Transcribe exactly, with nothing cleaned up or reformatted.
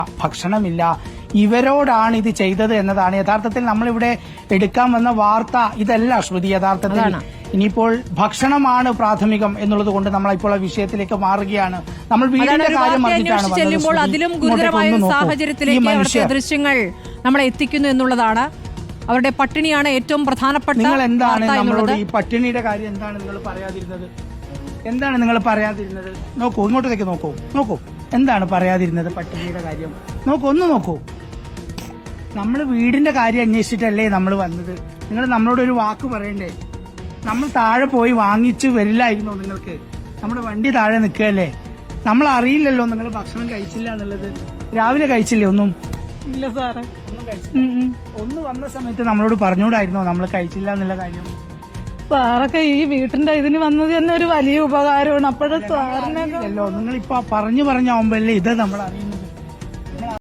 ഭക്ഷണമില്ല. ഇവരോടാണ് ഇത് ചെയ്തത് എന്നതാണ് യഥാർത്ഥത്തിൽ നമ്മളിവിടെ എടുക്കാൻ വന്ന വാർത്ത. ഇതല്ല ശ്രുതി യഥാർത്ഥത്തിൽ. ഇനിയിപ്പോൾ ഭക്ഷണമാണ് പ്രാഥമികം എന്നുള്ളത് കൊണ്ട് നമ്മൾ ഇപ്പോൾ ആ വിഷയത്തിലേക്ക് മാറുകയാണ്. നമ്മൾ വീടിന്റെ കാര്യം ചെല്ലുമ്പോൾ അതിലും ഗുരുതരമായ സാഹചര്യത്തിലേക്ക് ദൃശ്യങ്ങൾ നമ്മളെ എത്തിക്കുന്നു എന്നുള്ളതാണ്. അവരുടെ പട്ടിണിയാണ് ഏറ്റവും പ്രധാനപ്പെട്ട. നിങ്ങൾ എന്താണ് നമ്മളോട് ഈ പട്ടിണിയുടെ കാര്യം എന്താണ് നിങ്ങൾ പറയാതിരുന്നത്? എന്താണ് നിങ്ങൾ പറയാതിരുന്നത്? നോക്കൂ, ഇങ്ങോട്ടേക്ക് നോക്കൂ, നോക്കൂ, എന്താണ് പറയാതിരുന്നത് പട്ടിണിയുടെ കാര്യം? നോക്കൂ, ഒന്ന് നോക്കൂ. നമ്മൾ വീടിന്റെ കാര്യം അന്വേഷിച്ചിട്ടല്ലേ നമ്മൾ വന്നത്. നിങ്ങൾ നമ്മളോട് ഒരു വാക്ക് പറയണ്ടേ? നമ്മൾ താഴെ പോയി വാങ്ങിച്ചു വരില്ലായിരുന്നോ നിങ്ങൾക്ക്? നമ്മുടെ വണ്ടി താഴെ നിൽക്കുകയല്ലേ. നമ്മൾ അറിയില്ലല്ലോ നിങ്ങൾ ഭക്ഷണം കഴിച്ചില്ല എന്നുള്ളത്. രാവിലെ കഴിച്ചില്ലേ ഒന്നും? ഇല്ല സാറേ, ഒന്നും കഴിച്ചില്ല. ഒന്ന് വന്ന സമയത്ത് നമ്മളോട് പറഞ്ഞുകൂടായിരുന്നോ നമ്മൾ കഴിച്ചില്ല എന്നുള്ള കാര്യം? സാറൊക്കെ ഈ വീട്ടിന്റെ ഇതിന് വന്നത് തന്നെ ഒരു വലിയ ഉപകാരമാണ്. അപ്പോഴത്തെ സാറിനല്ലോ നിങ്ങൾ ഇപ്പൊ പറഞ്ഞു പറഞ്ഞാവുമ്പോഴല്ലേ ഇത് നമ്മൾ അറിയുന്നത്.